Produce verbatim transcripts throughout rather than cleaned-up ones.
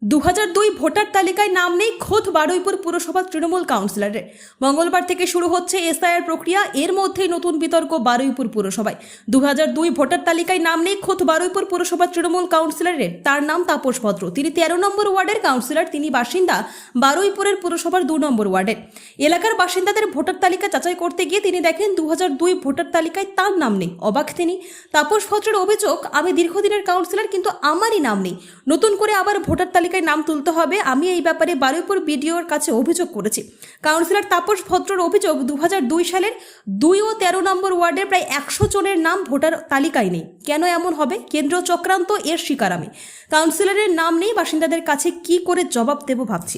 দু হাজার দুই ভোটার তালিকায় নাম নেই খোদ বারুইপুর পুরসভার তৃণমূল কাউন্সিলরের। মঙ্গলবার থেকে শুরু হচ্ছে এসআইআর প্রক্রিয়া। এর মধ্যেই নতুন বিতর্ক বারুইপুর পুরসভায়। দু হাজার দুই ভোটার তালিকায় নাম নেই খোদ বারুইপুর পুরসভার তৃণমূল কাউন্সিলরের। তার নাম তাপস ভদ্র। তিনি তেরো নম্বর ওয়ার্ডের কাউন্সিলর। তিনি বাসিন্দা বারুইপুরের পুরসভার দু নম্বর ওয়ার্ডের। এলাকার বাসিন্দাদের ভোটার তালিকা যাচাই করতে গিয়ে তিনি দেখেন দু হাজার দুই ভোটার তালিকায় তার নাম নেই। অবাক তিনি। তাপস ভদ্রের অভিযোগ, আমি দীর্ঘদিনের কাউন্সিলর কিন্তু আমারই নাম নেই। নতুন করে আবার ভোটার তালিকায় নাম তুলতে হবে। আমি এই ব্যাপারে বারুইপুর বিডিওর কাছে অভিযোগ করেছি। কাউন্সিলর তাপস ভদ্রর অভিযোগ, দু হাজার দুই সালের দুই ও তেরো নম্বর ওয়ার্ডের প্রায় একশো জনের নাম ভোটার তালিকায় নেই। কেন এমন হবে? কেন্দ্র চক্রান্ত, এর শিকার আমি। কাউন্সিলরের নাম নেই, বাসিন্দাদের কাছে কি করে জবাব দেব ভাবছি।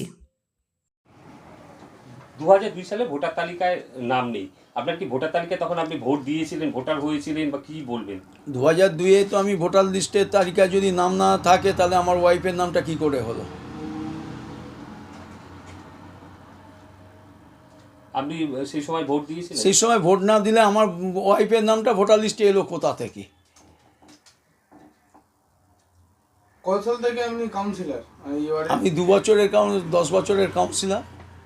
দু হাজার দুই সালে ভোটার তালিকায় নাম নেই। আপনার কি ভোটার তালিকায় তখন আপনি ভোট দিয়েছিলেন, ভোটার হয়েছিলেন, বা কি বলবেন? দু হাজার দুইয়ে তো আমি ভোটার লিস্টের তালিকায় যদি নাম না থাকে তাহলে আমার ওয়াইফের নামটা কি করে হলো? আপনি সেই সময় ভোট দিয়েছিলেন? সেই সময় ভোট না দিলে আমার ওয়াইফের নামটা ভোটার লিস্টে এলো কোথা থেকে? কত সাল থেকে আপনি কাউন্সিলর? আমি দু বছরের দশ বছরের কাউন্সিলর।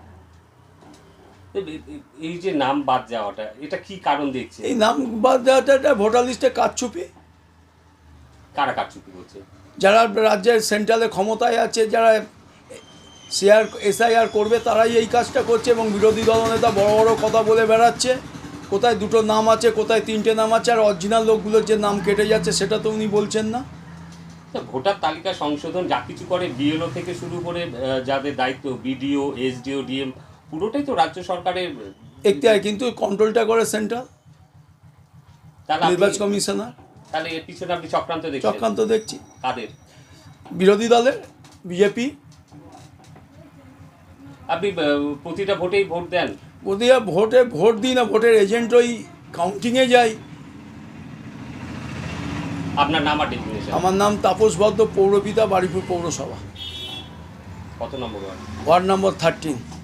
এই যে নাম বাদ যাওয়াটা, এটা কি কারণ দেখছে? এই নাম বাদ দেওয়াটা ভোটার লিস্টে কারচুপি। কারা কারচুপি করছে? যারা রাজ্যের সেন্ট্রালে ক্ষমতায় আছে, যারা শেয়ার এসআইআর করবে, তারাই এই কাজটা করছে। এবং বিরোধী দলনেতা বড় বড় কথা বলে বেড়াচ্ছে, কোথায় দুটো নাম আছে, কোথায় তিনটে নাম আছে, আর অরিজিনাল লোকগুলোর যে নাম কেটে যাচ্ছে সেটা তো উনি বলছেন না। ভোটার তালিকা সংশোধন যা কিছু করে বিএলও থেকে শুরু করে যাদের দায়িত্ব, বিডিও, এসডিও, ডিএম, পুরোটাই তো রাজ্য সরকারের এখতিয়ার, কিন্তু কন্ট্রোলটা করে সেন্ট্রাল নির্বাচন কমিশনার। তাহলে এর পিছনে আপনি চক্রান্ত দেখছেন? চক্রান্ত দেখছি। কাদের? বিরোধী দলের, বিজেপি। আপনি প্রতিটা ভোটেই ভোট দেন? প্রতিটা ভোটে ভোট দিই না, ভোটের এজেন্ট ওই কাউন্টিংয়ে যাই। আপনার নাম আর ডেফিনেশন? আমার নাম তাপস ভদ্র, পৌরপিতা, বারুইপুর পৌরসভা। কত নম্বর ওয়ার্ড? Ward number thirteen.